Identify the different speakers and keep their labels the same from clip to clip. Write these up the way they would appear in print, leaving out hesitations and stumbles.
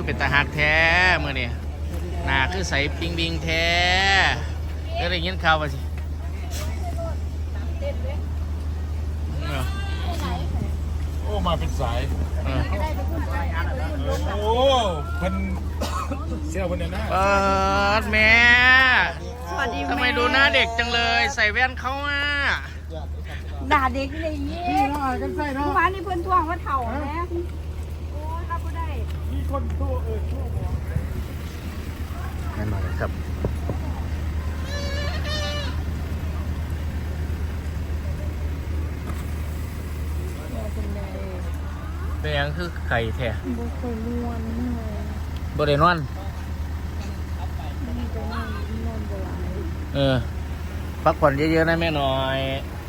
Speaker 1: คือเป็นตาหักแท้มือนี่หนาคือใสปิงบิงแท้ก็ได้ยินข่าวว่าสิ
Speaker 2: โอ้มาเป็นสายโอ้เพิ่นเสี่ยวเพิ่นเนี่ยนะ
Speaker 1: เปิดแม่
Speaker 3: สวัสดีแม่
Speaker 1: ทำไมดูหน้าเด็กจังเลยใส่แว่นเขาอ่ะ
Speaker 3: ด่าเด็กเลยยี่เมื่อวานนี้เพื่อนทวงว่าเถ่าแม่โอ้ยรับไม่ได้
Speaker 2: มีคนทั่วทั่ว
Speaker 1: แน่นอนครับเป็นยังคือไข่แท้
Speaker 3: บุเคยนวล
Speaker 1: บริเวณนอนพักผ่อนเยอะๆนะแม่หน่อย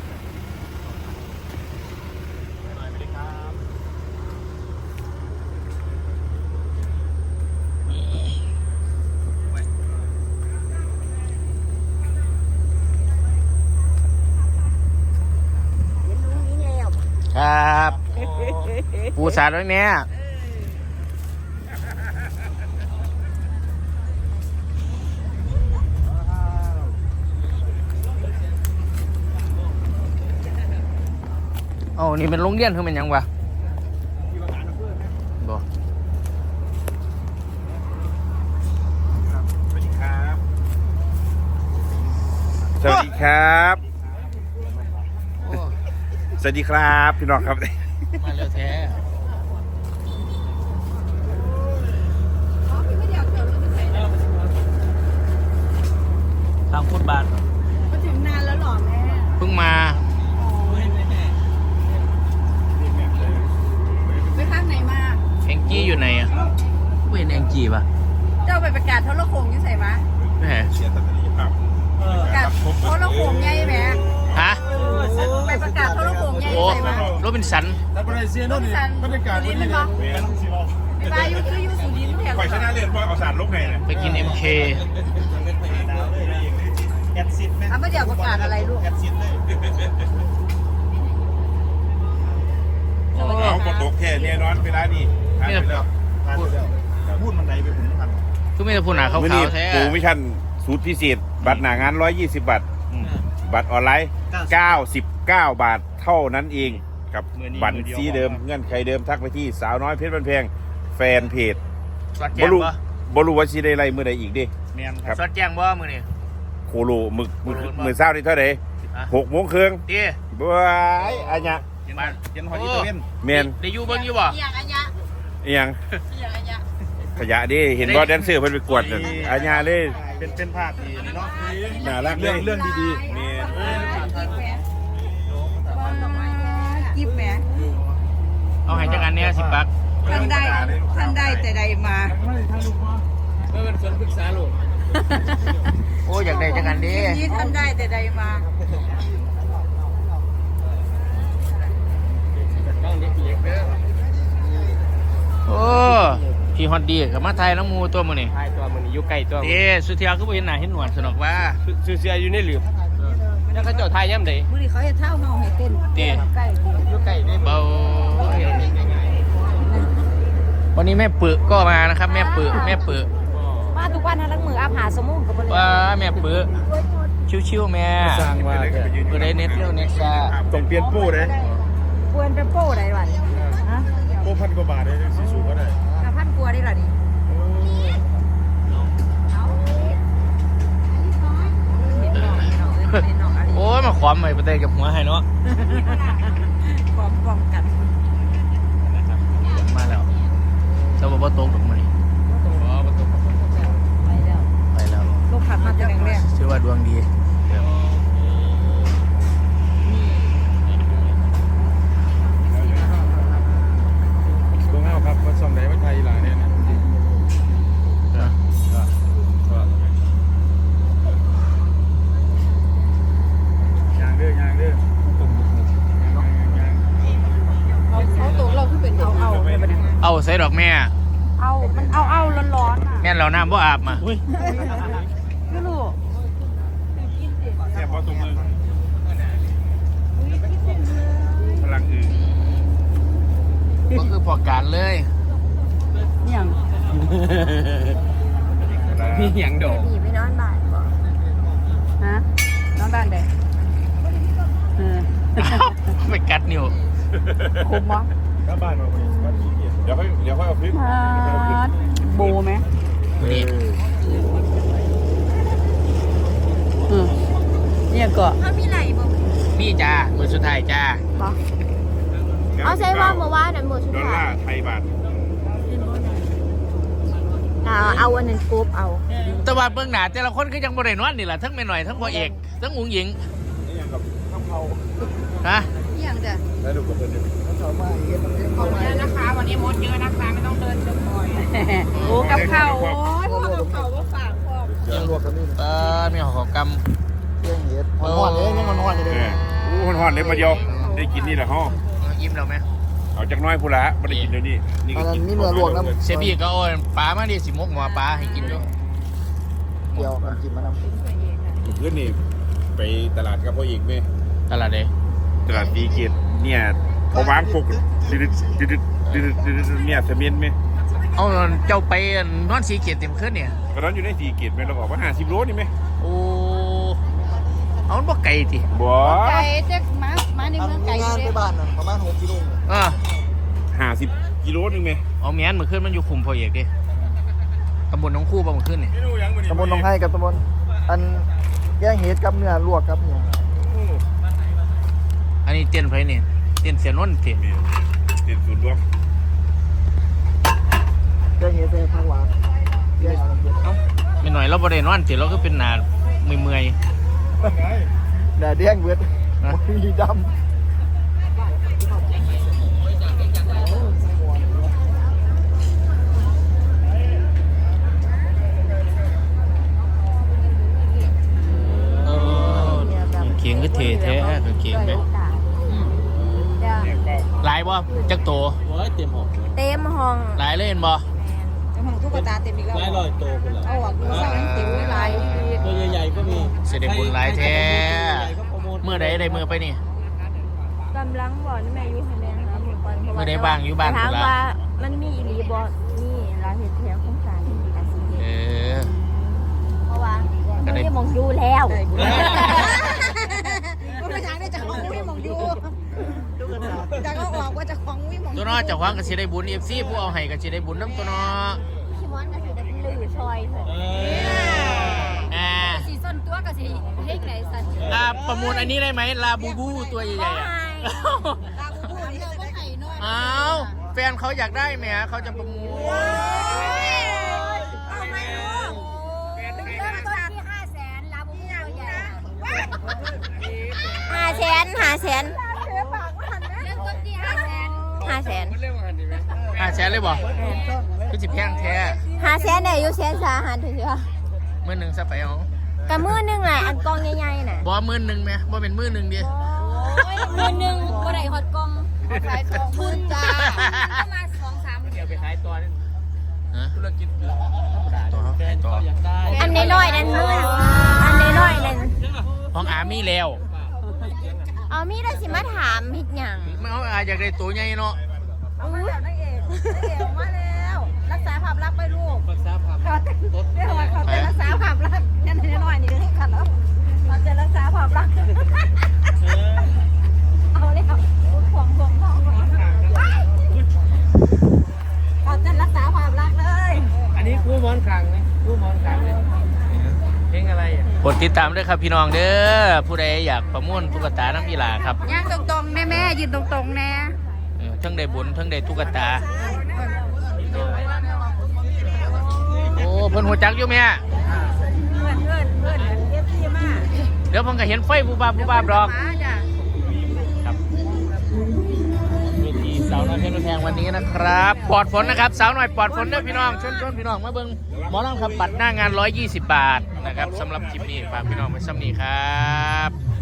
Speaker 1: ครับปูสาดไว้แม่โอ้นี่เป็นโรงเรียนคือเป็นยังวะบอก
Speaker 2: สวัสดีครับสวัสดีครับสวัสดีครับพี่น้องครับ
Speaker 1: มาเร็วแท้ทางฟุตบาท
Speaker 3: มาถึงนานแล้วหรอแม่
Speaker 1: เพิ่งมา
Speaker 3: ไปข้างไหนมา
Speaker 1: แองจี้อยู่ไหนอ่ะไม่เห็นแองจี้ป่ะ
Speaker 3: เจ้าไปประกาศโทรโขงยังใส่มา
Speaker 1: แม่
Speaker 3: ประกาศโทรโขงไงแม่
Speaker 1: ฮะ
Speaker 3: ไปประกาศโทรโขงไงใส่มา
Speaker 1: โรบินสัน
Speaker 3: โรบินสันบรรยากาศดีเลยมั้งไปบายยูคือยูสุดินแถว
Speaker 2: ข่อยชนะเรียนว่าเอาสารลบไงเนี่ย
Speaker 1: ไปกิน MK
Speaker 3: ไม่เดี๋ยวประกาศอะไรลูก
Speaker 2: เอากดตกแค่เนี่ยนอนเวลานี่พูดมันไหนไปผมทัน
Speaker 1: ก็ไม่ได้พูดหนาเขาแท้
Speaker 2: ปูมิชันสูตรพิเศษบัตรหนางาน120 บาทบัตรออนไลน์99 บาทเท่านั้นเองกับบัตรสีเดิมเงื่อนไขเดิมทักไปที่สาวน้อยเพชรบันเพงแฟนเพจบลูว่าชีได้ไรมือใดอีกดิ
Speaker 1: ครับสอดแจ้งบ่มือนี่
Speaker 2: โคโลมือเศร้านี่เท่าไหร่6 โมงครึ่งบ้ายอันเนี้ย
Speaker 1: หอยตัว
Speaker 2: เมน
Speaker 1: ได้อยู่เบิ้งอยู่บ่
Speaker 2: ยังขยะดิเห็นว่าแดนเซอร์เพิ่นไปกวดอันเนี้ยเลย
Speaker 4: เป็นภาพดีเนาะ
Speaker 2: น่ารักเรื่องดีๆเมน
Speaker 3: กิฟแหม
Speaker 1: เอาให้จักอันเนี้ย10 บาท
Speaker 3: ท่านได้แต่ใดมา
Speaker 1: เป็นส่วนปรึกษาลูกโอ้อยากได้จักอันดิ
Speaker 3: นี่ท่านได้แต่ใดมา
Speaker 1: โอ้พี่ฮอตดีกับมาไทยน้องมูตัวมือนี่
Speaker 4: ไทยตัวมือนี่อยู่ใกล้ตัว
Speaker 1: สุเทียก็ไปเห็นหน้าเห็นหนวดสนุกว่า
Speaker 4: ซื้อเสียอยู่ในหลืบแล้วเขาเจ้าไทยย่ำใด
Speaker 3: มือนี่เขาจะเท่าเฮาให้เต้นใกล้
Speaker 4: อยู่ใกล้ได้
Speaker 1: เบาวันนี้แม่ปื้ก็มานะครับแม่ปื้
Speaker 3: มาทุกวันทั้งมืออาผาสมุนกับ
Speaker 1: ว่าแม่ปื้ชิวๆแม่
Speaker 2: สร้างว่า
Speaker 1: ปื้ได้เน็ตเร็วเน็ตซ่า
Speaker 2: ต้องเปลี่ยนปูเลย
Speaker 3: เปลี่ยนเป็นปูได้วัน
Speaker 2: โป้1,000 กว่าบาทเลยสีสูงก็ได้
Speaker 3: 1,000 กว่าได้หรอดิ
Speaker 1: โอ้ยมาความใหม่ประเตยกับหัวให้เนาะ
Speaker 3: ความกัน
Speaker 1: มาแล้วเจ้าบ่ตกตรงมานี่ไปแล้ว
Speaker 3: ลูกขับมาแต่แรก
Speaker 1: ชื่อว่าดวงดี
Speaker 2: ตรงเอาครับมาส่งไหนมาไทยหลายเนี่ยนะยางเด้
Speaker 3: เขาตกเราคือเป็น
Speaker 1: เอาใส่ดอกแม่
Speaker 3: มันเอาร้อน
Speaker 1: แม่เราน้ำบ่อาบมา
Speaker 3: ไม่รู้
Speaker 2: แค่พอตรงมือพลังอื่น
Speaker 1: ก็คือพอการเลย
Speaker 3: อย่าง
Speaker 4: มีอย่างโดด
Speaker 3: หนีไปนอนบ้านบ่ฮะนอนบ้านเด้
Speaker 1: ไปกัดนิ้ว
Speaker 3: คุ้มบ่
Speaker 2: ถ้าบ้านมาบ้านขี้เกียจเดี๋ยวค่อยเอาคลิป
Speaker 3: โบไหม
Speaker 1: นี่
Speaker 3: เนี่ยก็เขามีไหลบ่
Speaker 1: มีจ้ามือสุดท้ายจ้า
Speaker 3: บ่เอาใช่ว่าเมื่อวานนั้นหมดสุด
Speaker 2: ดอล
Speaker 3: ท้า
Speaker 2: ลาย ร์ไทยบาท
Speaker 3: เอาวันนั้นกรุ๊ปเอา
Speaker 1: แต่ว่าเบื้องหน้าแต่ละคนก็ยังบ่ได้นอนนี่แหละทั้งแม่หน่อยทั้งพ่อเอกทั้งอุ๋งหญิง
Speaker 2: นี่ยังกับข้าวเผา
Speaker 1: ฮะ
Speaker 3: อย่างจ้ะ
Speaker 2: แล้วดูกับเพื่อนดิ
Speaker 3: ขอบคุณนะคะวันนี้มดเยอะนะคะไม่ต้องเดินเชิงบ่อยโอ้กับข้าวโอ้ยพวกกับข้าวก็ฝากพ่อ
Speaker 2: ยังรวกกันนี่
Speaker 1: มีหอกรรม
Speaker 2: เที่ยงเย็ดหอนเลยยังหอนเลยอู้หอนเลยมาเดียวได้กินนี่แหละฮะ
Speaker 1: ยิ้มแล้วไหม
Speaker 2: เอาจากน้อยพูละไม่ได้กินเดี๋ยวนี้นี่ก็กิน
Speaker 5: นี่เนื้อลวกนะ
Speaker 1: เซบี้ก็โอ้ยปลามาดิสิมกหมอปลาให้กินด้วย
Speaker 5: เดี๋ยวมันกินมานำ
Speaker 2: เพื่อนนี่ไปตลาดกับพ่อเอกไหม
Speaker 1: ตลาดเด้
Speaker 2: ตลาดสีเกียรติเนี่ยเขาวางปกเนี่ยเสมียนไหม
Speaker 1: เอาเจ้าไปนอนสีเกียรติเต็มขึ้นเนี่ย
Speaker 2: ก็นั้นอยู่ในสีเกียรติไหมเราบอกว่า50 โลนี่ไหม
Speaker 1: โอ้เอามันบ่ไกลติ
Speaker 2: บ่
Speaker 3: ไก่เจ๊กมาในเมืองไก่
Speaker 5: งาน
Speaker 3: เจ๊
Speaker 5: ไปบ้านน่ะประมาณ6 กิโล
Speaker 2: 50 กิโลนึงไหม
Speaker 1: เอาแม่นมื้อขึ้นมันอยู่คุมพ่อเอกดิตำบลหนองคู่บ่มื้อขึ้นนี่
Speaker 5: ตำบลหนองไห้กับตำบลอันแกงเห็ดกับเนื้อลวกครับเนี่ย
Speaker 1: อันนี้เตียนไผนี่เตียนเสียนนท์ติ
Speaker 2: เด็ดศูนย์รวม
Speaker 5: แกงเห็ดใส่ผักหวานแกงเห็ด
Speaker 1: ไม่หน่อยเราบ่ได้นอนติเราก็เป็นหน้าเมื่อย
Speaker 5: แดดแดงเบิดมีด
Speaker 1: ๆเออเขียงก็เทแท้ก็เขียงไปหลายบ่จักโต
Speaker 4: โอ้ยเต็มหอก
Speaker 3: เต็มห้อง
Speaker 1: หลายเลยเห็นบ่
Speaker 3: เต็มห้องตุ๊กตาเต็มอีกแล้ว
Speaker 4: หลายร้อยโตกันแล้ว
Speaker 3: เอาออกดูซะมันติ๋วหลาย
Speaker 4: ตัวใหญ่ๆก็มี
Speaker 1: เสด็จบุญหลายแท้
Speaker 4: ใหญ่ๆก็โปรโมท
Speaker 1: เมื่อใดได้มือไปนี่
Speaker 3: กำลังบ่นี่แม่อยู่คะแนนครับผมก่อน
Speaker 1: เมื่อใดบ้างอยู่บ้าน
Speaker 3: ถาม
Speaker 1: พุ่นล่ะ
Speaker 3: ว่ามันมีอีหลีบ่นี่ร้านเฮ็ดแถวโครงการอาชีพ
Speaker 1: เออ
Speaker 3: เพราะว่ามันไม่มองดูแล้วก็อยากได้จากของไม่มองดูจากก็ออกว่าจากของไม่มอง
Speaker 1: ตัวน้อเจ้าของก็สิได้บุญ FC ผู้เอาให้ก็สิได้บุญนํตัวน้อ
Speaker 3: พี่มอนก็สิได้ลือชอยเถอะ สีส้นตัวก็สิเฮ็ดไหนสัน
Speaker 1: ประมูลอันนี้ได้ไหมลาบูบูตัวใหญ่ๆอ่ะ
Speaker 3: ตาบูนี่เราก็ไข่น้อย
Speaker 1: อ้าวแฟนเขาอยากได้ไหมเขาจะประมูล
Speaker 3: เอาไม่รู้เริ่มต้นที่500,000ลาบูบูตัวใหญ่500,000เริ่มต้นที่500,000
Speaker 1: แสนเลยบ่คือสิแพงแท้
Speaker 3: 500,000เนี่ยอยู่แสนสาหัสถือว่า
Speaker 1: มื้อหนึงซะไปเอา
Speaker 3: กะมื้อนึงแหละอันกองใหญ่ๆน่ะ
Speaker 1: บ่มื้อหนึงแม่บ่เป็นมื้อหนึงดิ
Speaker 3: มื้อนึงบ่ได้ฮอดกองขาย20,000จ้าประมาณ 2-3
Speaker 4: เดี๋ยวไปขายตัวนี่
Speaker 1: ฮะ
Speaker 4: ธุรกิจ
Speaker 1: ต่อ
Speaker 4: แฟนเขาอยากได้
Speaker 3: อันน้อยๆนั่นอันน้อยๆนั่น
Speaker 1: ของอามีแล้ว
Speaker 3: เอามีได้สิมาถามเฮ็ดหยัง
Speaker 1: มันเอาอาอยากได้ตัวใหญ่เนาะ
Speaker 3: เอามาแล้วนางเอกมาแล้ว รักษาภาพลักษณ์ไปลูก
Speaker 4: รักษาภาพต้น
Speaker 3: เรียกว่าเขาจะรักษาภาพลักษณ์นั่นน้อยๆนี่ให้กันแล้วเราจะรักษาภาพลักษณ์เอาเลยครับห่วงเขาจะรักษาภาพลักษณ์เลย
Speaker 4: อันนี้คู่มอนคลังนะคู่มอนคลังเลยเพลงอะไรอ่ะ
Speaker 1: กดติดตามด้วยครับพี่น้องเด้อผู้ใดอยากประมูลตุ๊กตาน้ำอีหลาครับ
Speaker 3: ย่างตรงๆแม่ยืนตรงๆแน่
Speaker 1: ทั้งได้บุญทั้งได้ตุ๊กตาโอ้เพิ่นหัวจักอยู่แม่
Speaker 3: เพื่อนเอฟซีมาก
Speaker 1: เดี๋ยวเพิ่นก็เห็นไฟบูบาบดอก
Speaker 3: มาจ้ะ
Speaker 1: ครับเวทีสาวน้อยเพชรบ้านแพงวันนี้นะครับปลอดฝนนะครับสาวน้อยปลอดฝนเด้อพี่น้องชวนพี่น้องมาเบิ่งหมอลำครับบัตรหน้างาน120 บาทนะครับสำหรับคลิปนี้ฝากพี่น้องไว้ซ้ำนี้ครับ